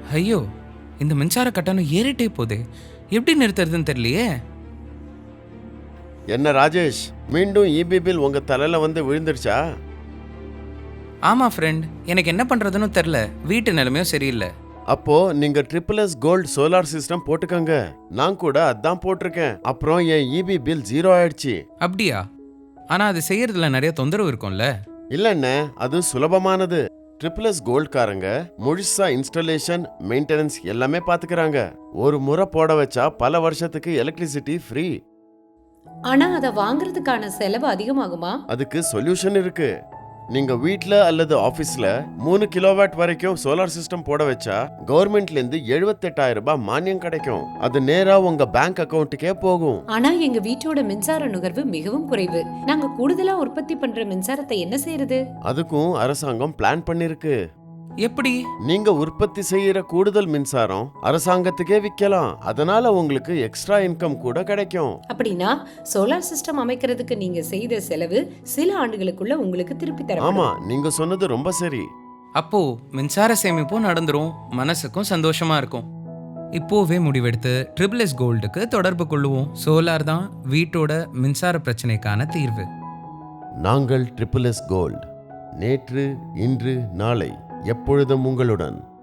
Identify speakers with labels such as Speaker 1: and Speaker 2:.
Speaker 1: ஐயோ, இந்த மின்சார கட்டணம் ஏறிட்டே போதே. எப்படி நிறுத்துறதுன்னு தெரியலையே.
Speaker 2: என்ன ராஜேஷ், மீண்டும் இபி பில் உங்க தலையில வந்து விழுந்துருச்சா?
Speaker 1: ஆமா ஃப்ரெண்ட், எனக்கு என்ன பண்றதுன்னு தெரியல. வீட்டு நிலைமையும் சரியில்லை.
Speaker 2: அப்போ நீங்க ட்ரிபிள் கோல்ட் சோலார் சிஸ்டம் போட்டுக்கங்க. நான் கூட அதான் போட்டிருக்கேன். அப்புறம் என் இபி பில் 0 ஆயிடுச்சு.
Speaker 1: அப்படியா? ஆனா அது செய்யறதுல நிறைய தொந்தரவு இருக்கும்ல.
Speaker 2: இல்லண்ணே, அது சுலபமானது. ட்ரிபிள் கோல்ட்காரங்க முழுசா இன்ஸ்டாலேஷன், மெயின்டெனன்ஸ் எல்லாமே பாத்துக்கிறாங்க. ஒரு முறை போட வச்சா பல வருஷத்துக்கு எலக்ட்ரிசிட்டி ஃப்ரீ.
Speaker 3: ஆனா அத வாங்குறதுக்கான செலவு அதிகமாகுமா?
Speaker 2: அதுக்கு சொல்யூஷன் இருக்கு. நீங்க வீட்ல அல்லது ஆபீஸ்ல 3 கிலோவாட் வரைக்கும் சோலார் சிஸ்டம் போட வச்சா கவர்மெண்ட்ல இருந்து 78,000 ரூபாய் மானியம் கிடைக்கும். அது நேரா உங்க பேங்க் அக்கவுண்ட்டுக்கே போகும்.
Speaker 3: ஆனா எங்க வீட்டோட மின்சார நுகர்வு மிகவும் குறைவு. நாங்க கூடுதலா உற்பத்தி பண்ற மின்சாரத்தை என்ன செய்யறது?
Speaker 2: அதுக்கும் அரசாங்கம் பிளான் பண்ணிருக்கு.
Speaker 1: எப்படி?
Speaker 2: நீங்க உற்பத்தி செய்யற கூடுதல் மின்சாரம் அரசாங்கத்துக்கே விக்கலாம். அதனால உங்களுக்கு எக்ஸ்ட்ரா இன்கம் கூட கிடைக்கும்.
Speaker 3: அப்படின்னா சோலார் சிஸ்டம் அமைக்கிறதுக்கு நீங்க செய்த செலவு சில ஆண்டுகளுக்குள்ள உங்களுக்கு திருப்பி தரப்படும்.
Speaker 2: ஆமா, நீங்க சொன்னது ரொம்ப சரி.
Speaker 1: அப்போ மின்சார சேமிப்பும் நடந்துரும், மனசுக்கும் சந்தோஷமா இருக்கும். இப்போவே முடிவெடுத்து ட்ரிபிள் எஸ் கோல்டுக்கு தொடர்பு கொள்ளுவோம். சோலார் தான் வீட்டோட மின்சார பிரச்சனைக்கான தீர்வு.
Speaker 2: நாங்கள் ட்ரிபிள் கோல்ட். நேற்று, இன்று, நாளை எப்பொழுதும் உங்களுடன்.